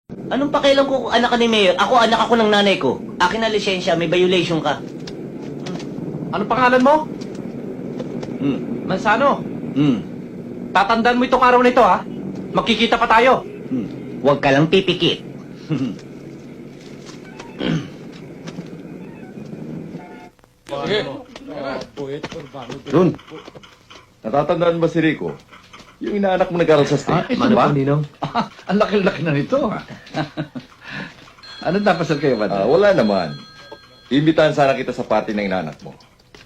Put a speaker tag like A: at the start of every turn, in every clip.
A: Anong pakialam ko kung anak ka ni Mayor? Ako, anak ako ng nanay ko. Akin na lisensya, may violation ka.
B: Anong pangalan mo? Mansano. Tatandaan mo itong araw na ito, ha? Magkikita pa tayo.
A: Huwag ka lang pipikit.
C: Ron, natatandaan ba si Rico? Yung inaanak mo nag-aral sa state.
D: Ito ba? Ninong? Ang laki-laki na nito. Ano napasal kayo ba?
C: Wala naman. Imbitahan sana kita sa party ng inaanak mo.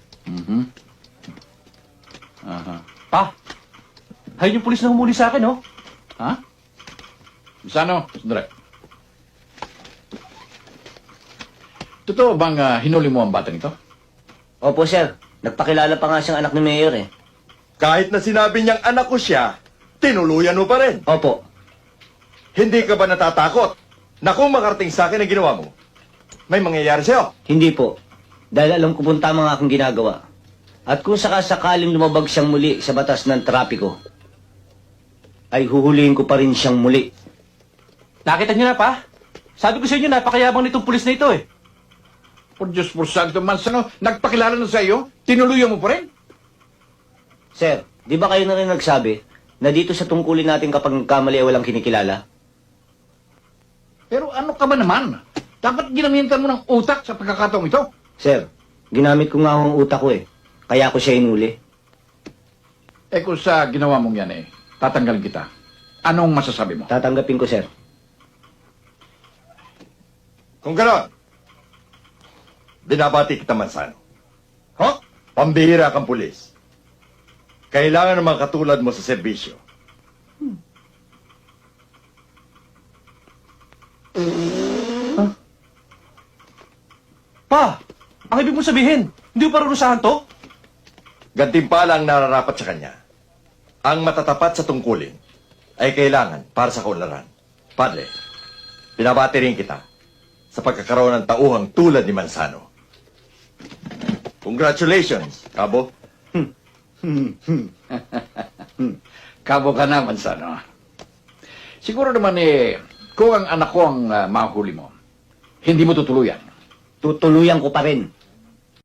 B: Pa, ayun yung pulis na humuli sa akin, oh.
D: Ha? Sano? Sandali. Totoo bang hinuli mo ang batang ito?
A: Opo, sir. Nagpakilala pa nga siyang anak ni Mayor, eh.
C: Kahit na sinabi niyang anak ko siya, tinuluyan mo pa rin.
A: Opo.
C: Hindi ka ba natatakot na kung makarating sa akin ang ginawa mo, may mangyayari sa'yo?
A: Hindi po. Dahil alam ko pong tama ang aking ginagawa. At kung sakasakaling lumabag siyang muli sa batas ng trapiko, ay huhulihin ko pa rin siyang muli.
B: Nakita niyo na, pa? Sabi ko sa inyo, napakayabang nitong pulis na ito, eh.
D: Por Diyos por Santo, Mansano, nagpakilala na sa iyo? Tinuluyan mo pa rin?
A: Sir, di ba kayo na rin nagsabi na dito sa tungkulin natin kapag nagkamali ay walang kinikilala?
D: Pero ano ka ba naman? Dapat ginamitan mo ng utak sa pagkakataong ito.
A: Sir, ginamit ko nga ang utak ko, eh. Kaya ko siya inuli.
D: Eh kung sa ginawa mong yan tatanggalin kita. Anong masasabi mo?
A: Tatanggapin ko, sir.
C: Kung gano'n, binabati kita, Mansano. Pambihira kang pulis. Kailangan ng mga katulad mo sa serbisyo.
B: Pa, ang ibig mo sabihin, hindi mo parurusahan to?
C: Gantimpala ang nararapat sa kanya. Ang matatapat sa tungkulin ay kailangan para sa kaunlaran. Padre, binabati rin kita sa pagkakaroon ng tauhang tulad ni Mansano. Congratulations, Cabo.
D: Kabo ka na, Mansano. Siguro naman kung ang anak ko ang mahuli mo, hindi mo tutuluyan.
A: Tutuluyan ko pa rin.